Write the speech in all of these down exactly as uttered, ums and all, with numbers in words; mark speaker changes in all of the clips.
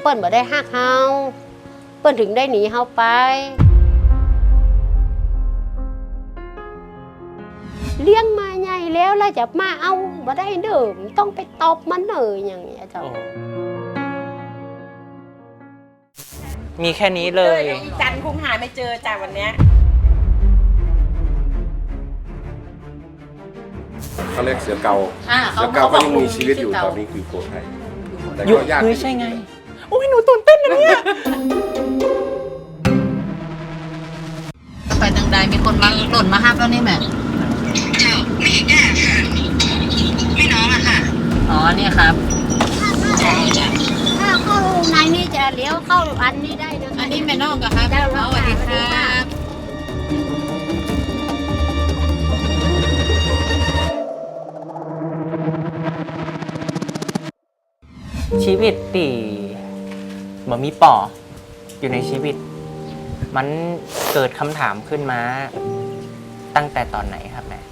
Speaker 1: เปิ้นบ่ได้ฮักเฮาเปิ้นถึงได้หนีเฮาไปเลี้ยงมาใหญ่แล้วแล้วจะมาเอาบ่ได้เด้อต้องไปตบมันเลยอย่างเงี้ยเจ้า
Speaker 2: มีแค่นี้เลย
Speaker 3: จันคงหาไม่เจอจากวันเนี้ย
Speaker 4: เขาเรียกเสือเกาเสือเกาก็ยังมีชีวิตอยู่ตอนนี้คือโกไทยแต่ก็ยาก
Speaker 2: ใช่ไงโอ้ยหนูตื่นเต้นนะเนี่ย
Speaker 5: ไปทางใดมีคนมาหล่นมาห้ามแล้วนี่แม่
Speaker 6: เจ้าไม่แก่ค่ะไม่น้องอะค่ะ
Speaker 5: อ๋อเนี่ยครับ
Speaker 1: ถ้าเข้าในนี้จะเลี้ยวเข้าอันนี้ได้นะ
Speaker 5: อันนี้แม่น้องกับครับสวัสดีครับ
Speaker 2: ชีวิตตีบ่มีป่ออยู่ในชีวิตมันเกิดคำถามขึ้นมาตั้งแต่ตอนไหนครับแม่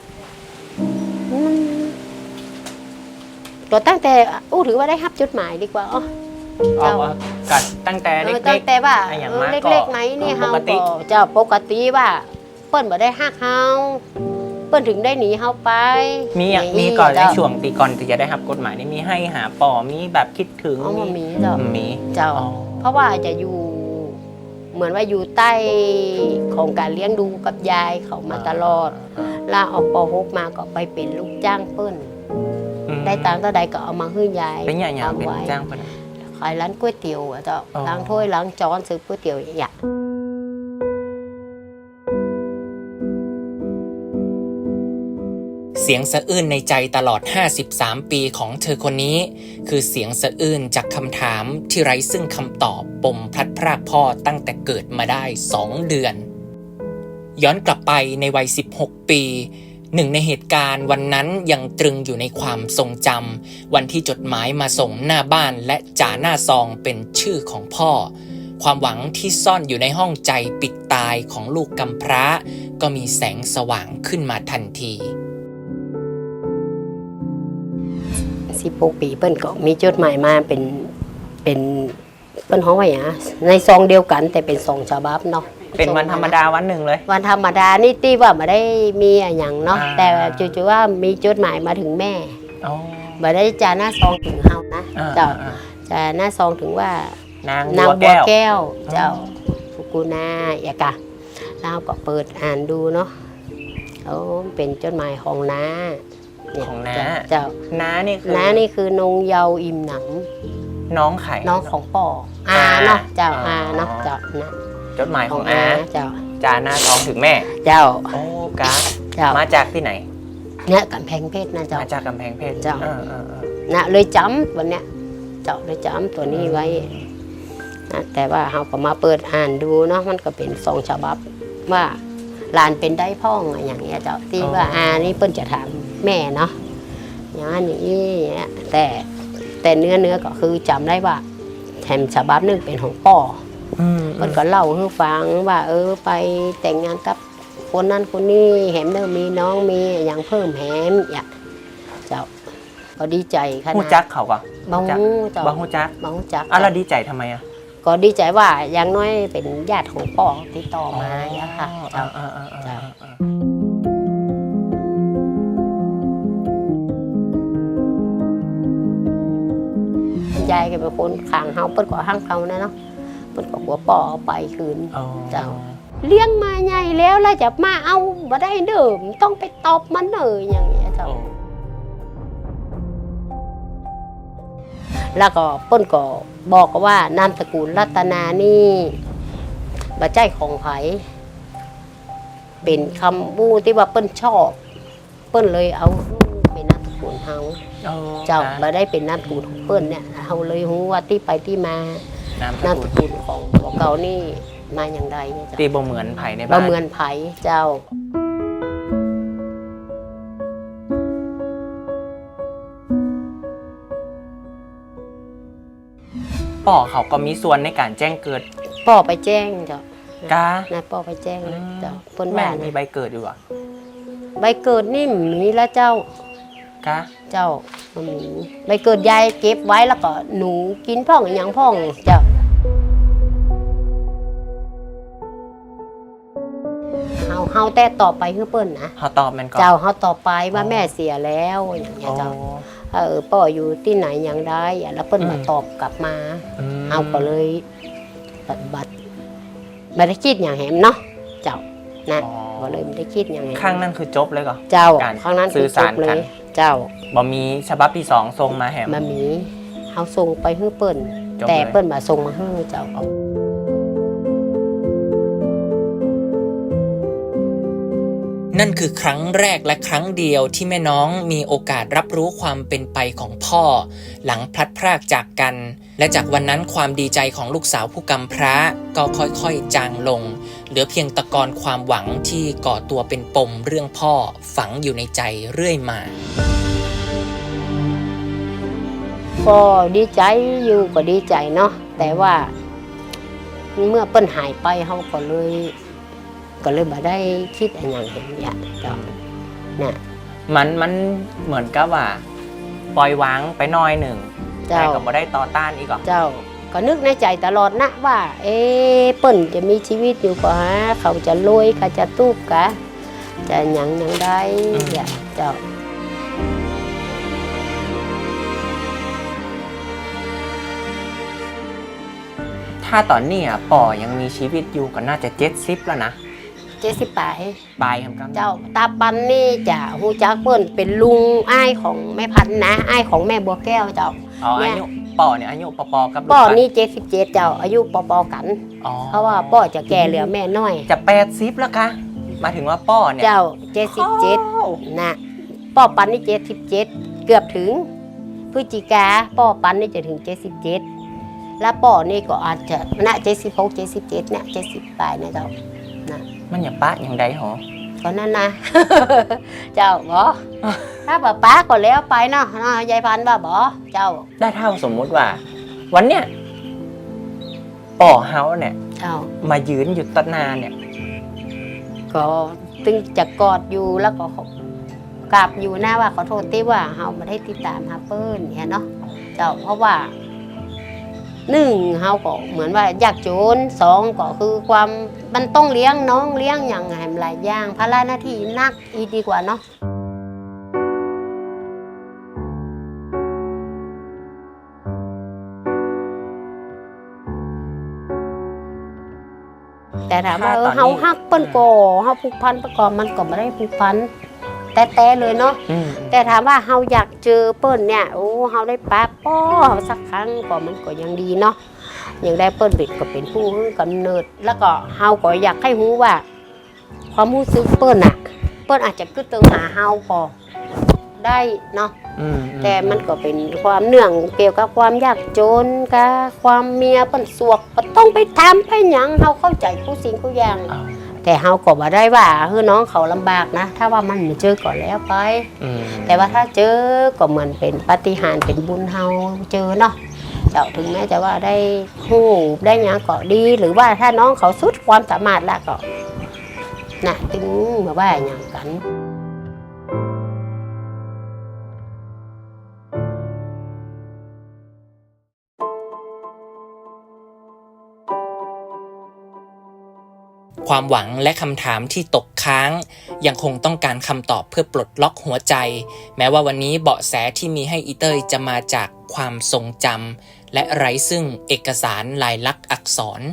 Speaker 1: ก็ตั้งแต่อู้ถือว่าได้รับจดหมายดีกว่าอ๋อ
Speaker 2: เจ้ากัดตั้งแต่เล็กๆ
Speaker 1: ตั้งแต่ว่าเล็กๆไหนนี่เฮาก็เจ้าปกติว่าเปิ้นบ่ได้ฮักเฮาเปิ้นถึงได้หนีเฮาไป
Speaker 2: มีอย่างมีก่อนในช่วงตีก่อนที่จะได้รับกฎหมายนี่มีให้หาป่อมีแบบคิดถึง
Speaker 1: มีเจ้า
Speaker 2: มี
Speaker 1: เจ้าเพราะว่าจะอยู่เหมือนว่าอยู่ใต้ของการเลี้ยงดูกับยายเขามาตลอดลาออกป หกมาก็ไปเป็นลูกจ้างเปิ้นได้ตังค์เท่าใดก็เอามาให้ยาย
Speaker 2: เป็นอย่างๆเป็นจ้างเปิ้น
Speaker 1: ขายร้านก๋วยเตี๋ยวอ่ะเจ้าล้างถ้วยล้างจานซื้อก๋วยเตี๋ยวอย่าง
Speaker 7: เสียงสะอื้นในใจตลอดห้าสิบสามปีของเธอคนนี้คือเสียงสะอื้นจากคำถามที่ไร้ซึ่งคำตอบปมพลัดพรากพ่อตั้งแต่เกิดมาได้สองเดือนย้อนกลับไปในวัยสิบหกปีหนึ่งในเหตุการณ์วันนั้นยังตรึงอยู่ในความทรงจำวันที่จดหมายมาส่งหน้าบ้านและจ่าหน้าซองเป็นชื่อของพ่อความหวังที่ซ่อนอยู่ในห้องใจปิดตายของลูกกำพร้าก็มีแสงสว่างขึ้นมาทันที
Speaker 1: สิบหกปีเปิ้นก็มีจดหมายมาเป็นเป็นเปิ้นฮ้องไว้อะในซองเดียวกันแต่เป็นซองฉบับเนาะ
Speaker 2: เป็นวันธรรมดาวันหนึ่งเลย
Speaker 1: วันธรรมดานี่ตีว่าไม่ได้มีอะไรอย่างเนาะแต่จู่ๆว่ามีจดหมายมาถึงแม่ไม่ได้จาหน้าซองถึงเฮานะเจ้าจาหน้าซองถึงว่านางบัวแก้วเจ้าฟุกุนาอย่ากะเราก็เปิดอ่านดูเนาะเขาเป็นจดหมายของน้า
Speaker 2: ของน้า
Speaker 1: เจ้า
Speaker 2: น้านี่คือ
Speaker 1: น้านี่คือนงเยาอิ่มหนัง
Speaker 2: น้องไข่
Speaker 1: น้องของป่ออาเนาะเจ้าอาเนาะเจ้านะ
Speaker 2: จดหมายของอา
Speaker 1: เจ้า
Speaker 2: จาหน้าซองถึงแม่
Speaker 1: เจ้า
Speaker 2: โอ้กาเจ้ามาจากที่ไหน
Speaker 1: เนี่ยกำแพงเพชรนะเจ้า
Speaker 2: มาจากกำแพงเพชร
Speaker 1: เจ้านะเลยจำวันเนี้ยเจ้าเลยจำตัวนี้ไว้นะแต่ว่าเราก็มาเปิดอ่านดูเนาะมันก็เป็นซองฉบับว่าหลานเป็นได้พ่องอย่างเงี้ยเจ้าที่ว่าอานี่เปิ้นจะถามแม่เนาะอย่างนี้แต่แต่เนื้อเนื้อก็คือจำได้ว่าแถมฉบับนึงเป็นของป่อมันก็เล่าให้ฟังว่าเออไปแต่งงานกับคนนั้นคนนี้แหมเดิมมีน้องมีอย่างเพิ่มแหมอย่างเจ้าก็ดีใจขนาด
Speaker 2: ฮู้จักเขาก็
Speaker 1: บ้าฮู้เจ้า
Speaker 2: บ้าฮู้จัก
Speaker 1: บ้าฮู้จัก
Speaker 2: อ่ะแล้วดีใจทำไมอ่ะ
Speaker 1: ก็ดีใจว่าอย่างน้อยเป็นญาติของป่อติดต่อมาอย่างค่ะเจ้าเจ้ายายก็เป็นคนข้างเฮาเปิ้นก็ห้างเขานะเนาะเปิ้นก็หัวป่อเอาไปคืนเจ้าเลี้ยงมาใหญ่แล้วแล้วจะมาเอาบ่ได้เด้อต้องไปตบมันเลยอย่างเงี้ยเจ้าแล้วก็เปิ้นก็บอกว่านามสกุลรัตนานี่บ่ใช่ของไผเป็นคำบู้ที่ว่าเปิ้นชอบเปิ้นเลยเอาเป็นนามสกุลเฮาเจ้าบ่ได้เป็นนามสกุลของเปิ้นเนี่ยเฮาเลยรู้ว่าที่ไปที่มานามสกุลของของเก่านี่มาอย่างไรเนี่ย
Speaker 2: ตีบ่เหมือนไผในบ้าน
Speaker 1: บ่เหมือนไผเจ้า
Speaker 2: ป่อเขาก็มีส่วนในการแจ้งเกิด
Speaker 1: ป่อไปแจ้งเจ้าก
Speaker 2: า
Speaker 1: นะป่อไปแจ้งเจ้า
Speaker 2: เพิ่นแม่มีใบเกิดอยู่อ่ะ
Speaker 1: ใบเกิดนี่มีแล้วเจ้าก
Speaker 2: กะ
Speaker 1: เจ้ามันมีใบเกิดยายเก็บไว้แล้วก็หนูกินพ่องอย่างพ่องเจ้าเฮาเฮาแต่ต่อไปคือเปิ้นนะ
Speaker 2: เขาตอบมันก่อน
Speaker 1: เจ้าเฮาต่อไปว่าแม่เสียแล้วอย่างเงี้ย
Speaker 2: โอ้
Speaker 1: เจ้าเออพ่ออยู่ที่ไหนอย่างไรอ่ะแล้วเปิ้น
Speaker 2: อืม
Speaker 1: มาตอบกลับมา
Speaker 2: ม
Speaker 1: เฮาก็เลยปฏิบัติไม่ได้คิดอย่างแหมเนาะเจ้านะ
Speaker 2: อ๋อ
Speaker 1: ก็เลยไม่ได้คิดอย่างแหม
Speaker 2: ข้างนั้นคือจบเลยก่อน
Speaker 1: เจ้า
Speaker 2: การ
Speaker 1: ครั้งนั้น
Speaker 2: สื่
Speaker 1: คือ
Speaker 2: อ
Speaker 1: จ
Speaker 2: สาร
Speaker 1: บเล
Speaker 2: กัน
Speaker 1: ยเจ้า
Speaker 2: บ่มีฉบับที่สองทรงมาแหม
Speaker 1: มามีเฮาส่งไปให้เปิ้น
Speaker 2: จบ
Speaker 1: แต่
Speaker 2: เลย
Speaker 1: เปิ้นมาส่งมาให้เจ้า
Speaker 7: นั่นคือครั้งแรกและครั้งเดียวที่แม่น้องมีโอกาสรับรู้ความเป็นไปของพ่อ หลังพลัดพรากจากกัน และจากวันนั้นความดีใจของลูกสาวผู้กำพร้าก็ค่อยๆจางลง เหลือเพียงตะกอนความหวังที่ก่อตัวเป็นปมเรื่องพ่อฝังอยู่ในใจเรื่อยมา
Speaker 1: ก็ดีใจอยู่ก็ดีใจเนาะแต่ว่า เมื่อเปิ้นหายไปเฮาก็เลย ก็เลยบ่ได้คิดอะไรอย่างเห็นเนี่ยเจ้าน่ะ
Speaker 2: มันมันเหมือนกับว่า ปล่อยวางไปหน้อยหนึ่ง
Speaker 1: เจ้า
Speaker 2: แต่ก็บ่ได้ต่อต้านอีกเหรอ
Speaker 1: เจ้าก็นึกในใจตลอดนะว่า เอ๊ะเปิ้นจะมีชีวิตอยู่ก็ฮะเขาจะรวยเขาจะตู้กะจะหยังหยังได้เนี่ยเจ้า
Speaker 2: ถ้าตอนนี้อ่ะป่อยังมีชีวิตอยู่ก็น่าจะเจ็ดสิบแล้วนะ
Speaker 1: เจ็ดสิบปลาย
Speaker 2: ปลายครับ
Speaker 1: เจ้าตาปันนี่จะฮู้จักเปิ้นเป็นลุงอ้ายของแม่พันธุ์นะอ้ายของแม่บัวแก้วเจ้า
Speaker 2: อ๋อ
Speaker 1: เนี่
Speaker 2: อาย ยุป่อเนี่ยอายุปอๆกับลูก
Speaker 1: ป้อ
Speaker 2: ปัด
Speaker 1: นี่เจ็ดสิบเจ็ดเจ้าอายุปอๆกัน
Speaker 2: อ๋อ
Speaker 1: เพราะว่าป้อจะแก่เหลือแม่น้อย
Speaker 2: จะแปดสิบแล้วคะหมายถึงว่าป่อเนี่ย
Speaker 1: เจ้าเจ็ดสิบเจ็ดนะป้อปันนี่เจ็ดสิบเจ็ดเกือบถึงพฤศจิกาป้อปันนี่จะถึงเจ็ดสิบเจ็ดแล้วป้อนี่ก็อาจจะณเจ็ดสิบหกเจ็ดสิบเจ็ดเนี่ยเจ็ดสิบปลายนะเจ้านะ
Speaker 2: มันอย่าปะอย่างใดหรอ
Speaker 1: ก็นั่นนะ เจ้าบอถ้าป้าป้าก็แล้วไปเนาะเนาะยายพันธุ์ว่าบอเจ้า
Speaker 2: ได้เท่าสมมุติว่า วันเนี้ยป่อเฮาเนี่ย
Speaker 1: เจ้า
Speaker 2: มายืนอยู่ต้นนาเนี่ย
Speaker 1: ก็ตึงจะกอดอยู่แล้วก็กราบอยู่หน้าว่าขอโทษที่ว่าเฮาไม่ได้ติดตามหาเปิ้ลเนี่ยเนาะเจ้าเพราะว่าหนึ่งเฮาก็เหมือนว่ายากจนสองก็คือความมันต้องเลี้ยงน้องเลี้ยงอย่างไงหลายอย่างภาระหน้าที่หนักอีดีกว่าเนาะแต่ถามว่าเออเฮาฮักเปิ้นก็เฮาผูกพันประกอบมันก็ไม่ได้ผูกพันแต่แต่เลยเนาะ
Speaker 2: อืม
Speaker 1: แต่ถามว่าเฮาอยากเจอเปิ้นเนี่ยโอ้เฮาได้ป้าป้อเฮาสักครั้งก็มันก็ยังดีเนาะยังได้เปิ้นเด็กก็เป็นผู้กำเนิด แล้วก็เฮาก็อยากให้รู้ว่า ความรู้สึกเปิ้นอะเปิ้นอาจจะกึดตึงหาเฮาก็ได้เนาะ
Speaker 2: อืม
Speaker 1: แต่มันก็เป็นความเนื่องเกี่ยวกับความยากจนกับความเมียเปิ้นสวกก็ต้องไปทำไปหยังเฮาเข้าใจผู้สิ่งผู้อย่าง
Speaker 2: อ้าว
Speaker 1: แต่เฮาก็บ่ได้ว่าเฮ้อน้องเขาลำบากนะ ถ้าว่ามันไม่เจอก่อนแล้วไป
Speaker 2: อืม
Speaker 1: แต่ว่าถ้าเจอก็เหมือนเป็นปาฏิหาริย์เป็นบุญเฮาเจอเนาะเจ้าถึงแม้จะว่าได้ฮู้ได้หยังก็ดี หรือว่าถ้าน้องเขาสุดความสามารถแล้วก็น่ะถึงมาว่าหยังกัน
Speaker 7: ความหวังและคำถามที่ตกค้าง ยังคงต้องการคำตอบเพื่อปลดล็อกหัวใจ แม้ว่าวันนี้เบาะแสที่มีให้อีเต้ยจะมาจากความทรงจำและไร้ซึ่งเอกสารลายลักษณ์อักษร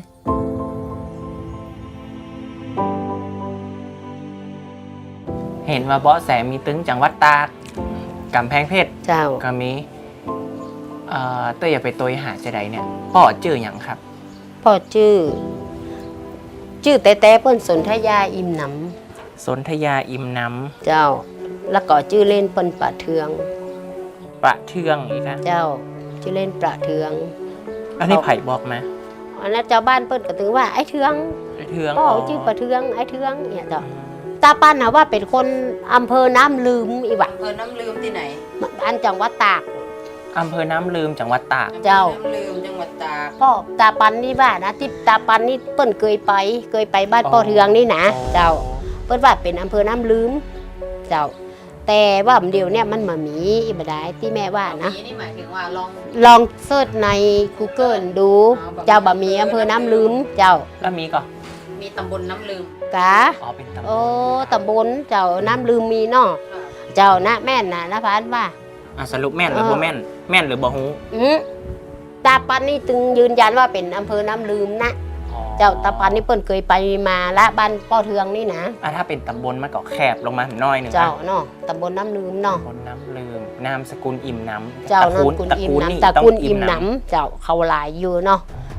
Speaker 2: เห็นว่าเบาะแสมีตึงจังหวัดตากกำแพงเพชร
Speaker 1: เจ้า
Speaker 2: ก็มีเอ่อเต้ยอย่าไปตัวหาจะใดเนี่ยป่อจื่ออย่างครับ
Speaker 1: พ่อชื่อ ชื่อแต่แต่เปิ้นสนธยาอิ่มหน
Speaker 2: สนธยาอิมน้
Speaker 1: ำเจ้า แล้วก็ชื่อเล่นเปิ้นประเทือง
Speaker 2: ำประเทืองอีกนะ
Speaker 1: เจ้าชื่อเล่นประเทือง
Speaker 2: อันนี้ไผ่บอกมา
Speaker 1: อันนั้นเจ้าบ้านเปิ้นก็ถึงว่าไอ้เทือง
Speaker 2: ประเทือง
Speaker 1: พ่อชื่อประเทืองไอ้เทืองเนี่ยเจ้าตาปันนะว่าเป็นคนอำเภอน้ำลืมอีวะ
Speaker 5: เออน้ำลืมที่ไหน
Speaker 1: อันจังหวัดตาก
Speaker 2: อำเภอน้ำลืมจังหวัดตาก
Speaker 1: เจ้า
Speaker 5: น้ำลืมจังหวัดตาก
Speaker 1: พ่อตาปันนี่ว่านะที่ตาปันนี่เปิ้นเคยไป เคยไปบ้านพ่อเทืองนี่นะเจ้า เปิ้นว่าเป็นอำเภอน้ำลืม เจ้าแต่ว่าเดี๋ยวเนี่ยมันมามีอีบได้ที่แม่ว่านะ
Speaker 5: มีนี่หมายถึงว่าลอง
Speaker 1: ลองเสิร์ชใน Google ดู เจ้าบะหมี่อำเภอน้ำลืมเจ้า
Speaker 2: แล้วมีก่อน
Speaker 5: มีตำบลน้ำลืม
Speaker 1: กะ
Speaker 2: อ๋อเป็นตำบ
Speaker 1: โอ้
Speaker 2: ล
Speaker 1: ตำบลเจ้าน้ำลืมมีเนาะเจ้านะแม่นนะนะพันว่า
Speaker 2: อ่ะสรุปแม่นหรือ
Speaker 1: เออ
Speaker 2: บ่แม่นแม่นหรือบ่ฮู้
Speaker 1: อืมตาปันนี่ตึงยืนยันว่าเป็นอำเภอน้ำลืมนะ
Speaker 2: อ๋อ
Speaker 1: เจ้าตาปันนี่เปิ้นเคยไปมาละบ้านป้อเทืองนี่นะ
Speaker 2: อ่ะถ้าเป็นตำบลมันก็แคบลงมาหน่อยหนึง
Speaker 1: เจ้า
Speaker 2: นะ
Speaker 1: เนาะตำบลน้ำลืมเนาะ
Speaker 2: ตำบลน้ำลืมนามสกุลอิ่มน้ำ
Speaker 1: เจ้า
Speaker 2: ตระ
Speaker 1: นาม
Speaker 2: กู
Speaker 1: ส
Speaker 2: ล
Speaker 1: กุล
Speaker 2: ตระ
Speaker 1: อิ่ม
Speaker 2: กูลนี่
Speaker 1: น้ำตระ
Speaker 2: ต้อง
Speaker 1: กูล
Speaker 2: อิ่
Speaker 1: อิ่
Speaker 2: ม
Speaker 1: ม
Speaker 2: น้
Speaker 1: น้ำเจ้าเขาหลายอยู่เนาะ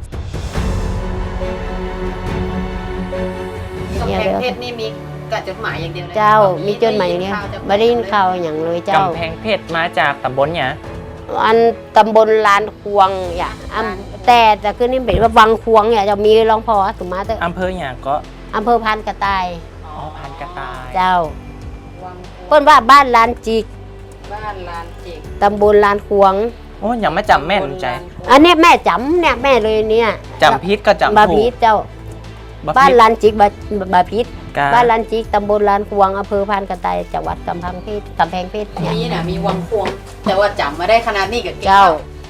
Speaker 5: กำแพงเพชรนี่มีกระจดหมายอย่างเดียวเลย
Speaker 1: เจ้ามีจดหมายอย่างเนี้ยไม่ได้ยินข่าวอย่างเลย
Speaker 2: ำ
Speaker 1: เจ้าก
Speaker 2: ำแพงเพชรมาจากตำบลเนี่ย
Speaker 1: อันตำบลลานควงอย่าอำแต่แต่คือนี่เป็นว่าวังควงเนี่ยจะมีรองพอสุมาเตอร์
Speaker 2: อำเภออย่างก็
Speaker 1: อำเภอพานกระต่าย
Speaker 2: อ๋อพันกระต่าย
Speaker 1: เจ้า
Speaker 5: วัง
Speaker 1: เปิ้นว่าบ้านลานจิก
Speaker 5: บ้านลานจิก
Speaker 1: ตำบลลานควง
Speaker 2: โอ้ยังไม่จำแม่นใจ
Speaker 1: อันเนี้ยแม่จำเนี่ยแม่เลยเนี่ย
Speaker 2: จำพิษก็จำ
Speaker 1: บา
Speaker 2: ถู
Speaker 1: พี
Speaker 2: ก
Speaker 1: เจ้า
Speaker 2: บ
Speaker 1: บ้าน
Speaker 2: พิษ
Speaker 1: ลานจิกบาบาพี
Speaker 2: กา
Speaker 1: บ้านลานจิกตำบลลานควงอำเภอพานกระต่ายจังหวัดกำแพงเพชรกำแพงเพชรเนี่ย
Speaker 5: มีน่ะมีวังควง แต่ว่าจำมาได้ขนาดนี้กับ
Speaker 1: เจ้า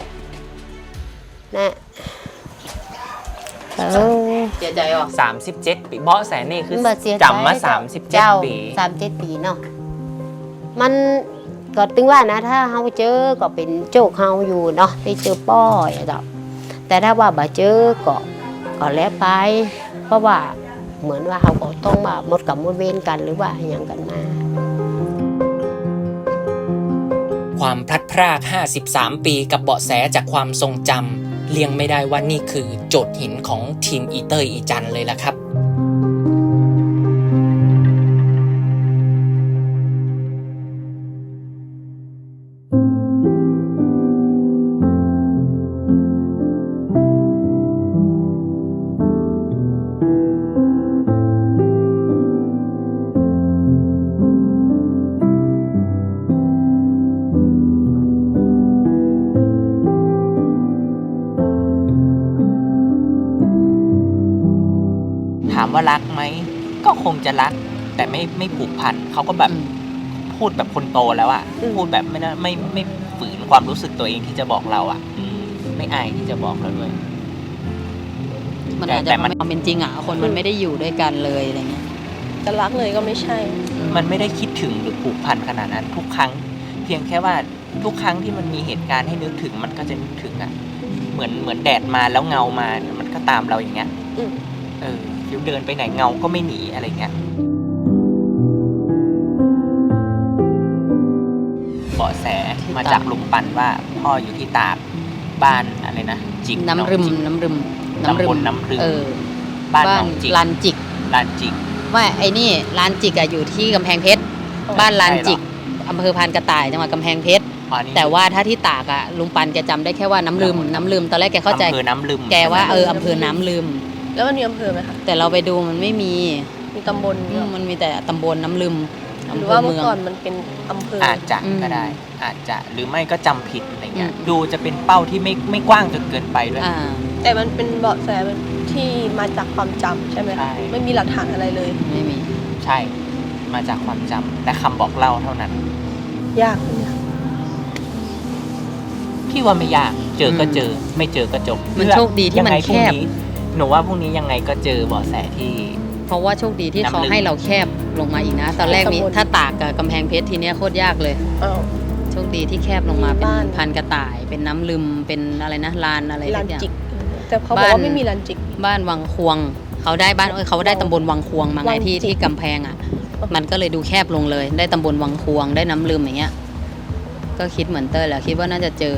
Speaker 1: นะเออ
Speaker 5: เสียใจอ่ะ
Speaker 2: สามสิบเจ็ดปีเบาะแสนี่คือ
Speaker 1: บ่เสียใจ
Speaker 2: จำมาสามสิบเจ็ด
Speaker 1: เจ้า
Speaker 2: ปี
Speaker 1: สามเจ็ดปีเนาะมันก็ถึงว่านะถ้าเฮาเจอก็เป็นโจกเฮาอยู่เนาะได้เจอป้อยอะเจ้าแต่ถ้าว่าบ่เจอก็ก็แล้วไป เพราะว่าเหมือนว่าเฮาก็ต้องมาหมดกับหมดเวรกันหรือว่าอย่างกันมา
Speaker 7: ความพลัดพราก ห้าสิบสาม ปีกับเบาะแสจากความทรงจำเลี่ยงไม่ได้ว่านี่คือโจทย์หินของทีมอีเตอร์อีจันเลยล่ะครับ
Speaker 2: ถามว่ารักไหมก็คงจะรัก แต่ไม่ไม่ผูกพันเขาก็แบบพูดแบบคนโตแล้วอะ
Speaker 1: อืม
Speaker 2: พูดแบบไม่ได้ไม่ไม่ฝืนความรู้สึกตัวเองที่จะบอกเราอะอืมไม่อายที่จะบอกเราด้วย
Speaker 5: มันอาจจะ
Speaker 2: แต่มัน
Speaker 5: ความเป็นจริงอ่ะคนมันไม่ได้อยู่ด้วยกันเลยอะไรเงี้ย
Speaker 3: จะรักเลยก็ไม่ใช่
Speaker 2: มันไม่ได้คิดถึงหรือผูกพันขนาดนั้น ทุกครั้ง เพียงแค่ว่าทุกครั้งที่มันมีเหตุการณ์ให้นึกถึงมันก็จะนึกถึงอะเหมือนเหมือนแดดมาแล้วเงามามันก็ตามเราอย่างเงี้ย
Speaker 3: อืม
Speaker 2: เออฟิวเดินไปไหนเงาก็ไม่หนีอะไรเงี้ยเบาะแสมาจากลุงปันว่าพ่ออยู่ที่ตากบ้านอะไรนะจิก
Speaker 5: น้ำรึม
Speaker 2: จิก
Speaker 5: น้ำรึม
Speaker 2: ตำบลน้ำรึม
Speaker 5: เออ
Speaker 2: บ้าน
Speaker 5: บ้า
Speaker 2: หน
Speaker 5: น
Speaker 2: องจิก
Speaker 5: ลานจิก
Speaker 2: ลานจิก
Speaker 5: ว่าไอ้นี่ลานจิกอะอยู่ที่กำแพงเพชร บ้านลานจิกอำเภอพานกระต่ายจังหวัดกำแพงเพชร
Speaker 2: อ๋อนี่
Speaker 5: แต่ว่าถ้าที่ตากอะลุงปันแกจำได้แค่ว่าน้ำลืมน้ำลืมตอนแรกแกเข้าใจ
Speaker 2: อำเภอน้ำลืม
Speaker 5: แกว่า
Speaker 2: ใช่ไหม
Speaker 5: เอออำเภอน้ำลืม
Speaker 3: แล้วมันมีอำเภอไหมคะ
Speaker 5: แต่เราไปดูมันไม่มี
Speaker 3: มีตำบล
Speaker 5: อืมมันมีแต่ตำบลน้ำลืม
Speaker 3: ห
Speaker 5: อำ
Speaker 3: รือ
Speaker 5: เภ
Speaker 3: ว่า
Speaker 5: อ
Speaker 3: เมื่
Speaker 5: เมื
Speaker 3: อ
Speaker 5: อง
Speaker 3: ก่อนมันเป็นอำเภออ
Speaker 2: อาจจะ
Speaker 5: อืม
Speaker 2: ก็ได้ อาจจะหรือไม่ก็จำผิดอะไรเงี้ย
Speaker 5: อืม
Speaker 2: ดูจะเป็นเป้าที่ไม่ไม่กว้างจนเกินไปด้วย
Speaker 5: อ่า
Speaker 3: แต่มันเป็นเบาะแสที่มาจากความจำใช่ไหม
Speaker 2: ใช่
Speaker 3: คะไม่มีหลักฐานอะไรเลย
Speaker 5: ไม่มี
Speaker 2: ใช่ มาจากความจำและคำบอกเล่าเท่านั้น
Speaker 3: ยากเลย
Speaker 2: พี่ว่าไม่ยาก เจอก็เจอ ไม่เจอก็จบ
Speaker 5: มันโชคดีที่มัน
Speaker 2: ยังไงพ
Speaker 5: แค
Speaker 2: รุ่ง
Speaker 5: บ
Speaker 2: นี้หนูว่าพรุ่งนี้ยังไงก็เจอเบาะแสที่
Speaker 5: เพราะว่าโชคดีที่เขา
Speaker 2: น้ำลึก
Speaker 5: ให้เราแคบลงมาอีกนะ ตอนแรกมี
Speaker 3: ตำบล
Speaker 5: ถ้าตากกับกำแพงเพชรทีเนี้ยโคตรยากเลย
Speaker 3: อ้าว
Speaker 5: โชคดีที่แคบลงมาเป็น
Speaker 3: บ้าน
Speaker 5: พันกระต่าย เป็นน้ำลืมเป็นอะไรนะลานอะไร
Speaker 3: ลา
Speaker 5: ทุ
Speaker 3: น
Speaker 5: กอย่าง
Speaker 3: จิก แต่เขาบอกว่าไม่มีลานจิก
Speaker 5: บ้านวังควง เขาได้บ้านเอ้ยเขาได้ตำบลวังควงมาไง
Speaker 3: วัง
Speaker 5: ที่
Speaker 3: จิก
Speaker 5: ที่กำแพงอ่ะ มันก็เลยดูแคบลงเลย ได้ตำบลวังควงได้น้ำลืมอย่างเงี้ย ก็คิดเหมือนเต้ยแหละคิดว่าน่าจะเจอ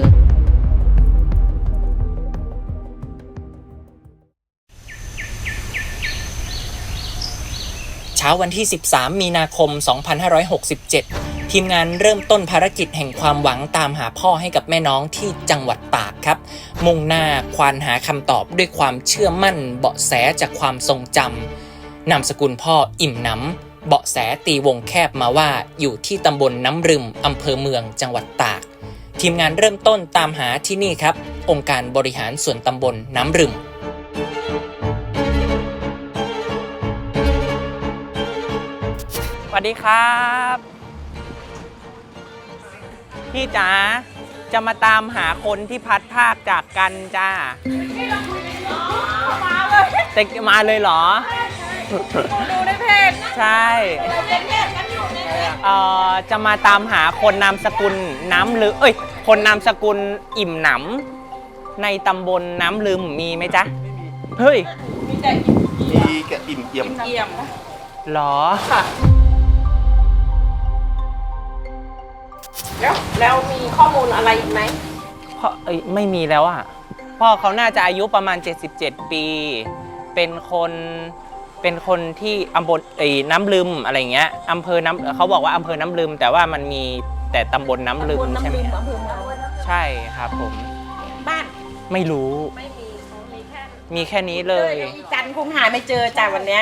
Speaker 7: เช้าวันที่ สิบสาม มีนาคม สองพันห้าร้อยหกสิบเจ็ด ทีมงานเริ่มต้นภารกิจแห่งความหวังตามหาพ่อให้กับแม่น้องที่จังหวัดตากครับ มุ่งหน้าควานหาคำตอบด้วยความเชื่อมั่นเบาะแสจากความทรงจำนามสกุลพ่ออิ่มหนำเบาะแสตีวงแคบมาว่าอยู่ที่ตำบลน้ำรึมอำเภอเมืองจังหวัดตาก ทีมงานเริ่มต้นตามหาที่นี่ครับ องค์การบริหารส่วนตำบลน้ำรึม
Speaker 2: สวัสดีครับพี่จ๋าจะมาตามหาคนที่พัดภาคจากกันจ้าแต่มาเลยเหรอ
Speaker 3: ดูในเพจ
Speaker 2: ใช่เอ่อจะมาตามหาคนนามสกุลน้ำลืมเอ้ย คนนามสกุลอิ่มหนำในตำบลน้ำลืมมีไหมจ๊ะ เฮ้ย
Speaker 4: มีแกอิ่มเอี่ยม
Speaker 3: เยี่ยม
Speaker 2: หรอ
Speaker 3: แล้วแล้วมีข้อมูลอะไรอีกไหม
Speaker 2: พ่อเอ้ยไม่มีแล้วอ่ะ พ่อเขาน่าจะอายุประมาณ เจ็ดสิบเจ็ด ปี เป็นคนเป็นคนที่อำเภอไอ้น้ำลืมอะไรเงี้ยอำเภอน้ำเขาบอกว่าอำเภอน้ำลืม แต่ว่ามันมีแต่ตำบลน้ำลืมใช่ไหมใช่ครับผม
Speaker 3: บ้าน
Speaker 2: ไม่รู้
Speaker 3: ไม่มีเขามีแค่
Speaker 2: มีแค่นี้เลย
Speaker 3: อีจันคงหาไม่เจอจ้ะวันเนี้ย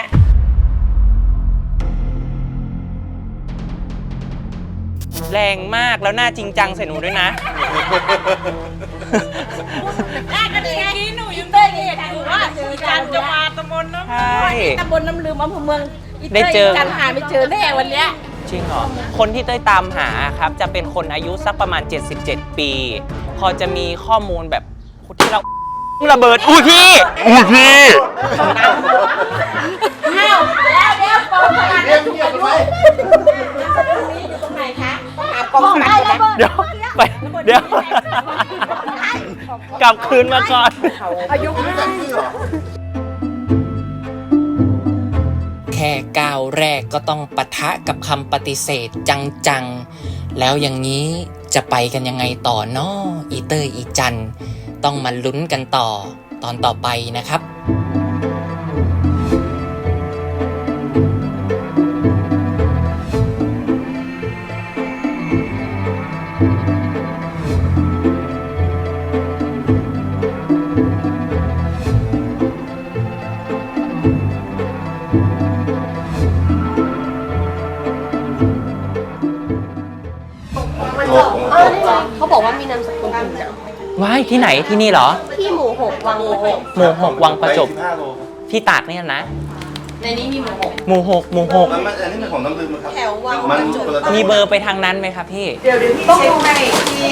Speaker 2: แรงมากแล้วหน้าจริงจังใส่หนูด้วยนะ
Speaker 3: แรกก็ดีไงหนูยังได้เรียนอยู่ว่าอีจันจะมาตำบลน้ำ
Speaker 2: ใช่
Speaker 3: ตำบลน้ำลืมอำเภอเมือง
Speaker 2: ได้เจอ
Speaker 3: จันหาไม่เจอแน่วันเนี้ย
Speaker 2: จริงเหรอ คนที่เต้ยตามหาครับจะเป็นคนอายุสักประมาณ เจ็ดสิบเจ็ด ปี พอจะมีข้อมูลแบบที่เราระเบิดอุ้ยพี่อุ้ยพี่
Speaker 3: อ้าวแล้วเดี๋ยวกองสลากจะถูกอายุนี้อยู่ตรงไหนคะต้องหากองสลากนะ
Speaker 2: เดี๋ยวไปเดี๋ยว กลับคืนมาก่อน
Speaker 3: อายุ
Speaker 7: แค่ก้าวแรกก็ต้องปะทะกับคำปฏิเสธจังๆ แล้วอย่างนี้จะไปกันยังไงต่อน้ออีเตอร์อีจันต้องมาลุ้นกันต่อตอนต่อไปนะครับ
Speaker 3: เขาบอกว่ามีนามสกุลอิ่มหน
Speaker 2: ว้ายที่ไหนที่นี่เหรอ
Speaker 3: ำที่หมู่หกวังหมู่หก
Speaker 2: หมู่หกวังประจบ
Speaker 4: สิห้าโล
Speaker 2: ที่ตากเนี่ยนะ
Speaker 3: ในนี้มีหมู่หก
Speaker 2: หมู่หกหมู่หก
Speaker 4: มันมันอันนี้เป็นของน้ำลืมนะครับ
Speaker 3: แถววัง
Speaker 4: มัน
Speaker 3: ประจ
Speaker 4: คน
Speaker 3: บ
Speaker 4: ละ
Speaker 2: มีเบอร์ไปทางนั้นไหมครับพี่
Speaker 3: เดี๋ยวเดี๋ยวพี่เช็คให้ที่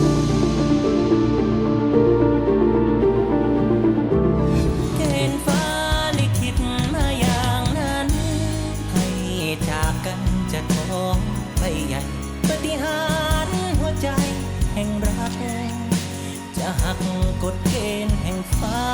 Speaker 8: เกณฑ์ฟ้าลิขิตมาอย่างนั้น ให้จากกันจะท้องไปใหญ่ปฏิหารย์หัวใจแห่งรัก จะหักกฎเกณฑ์แห่งฟ้า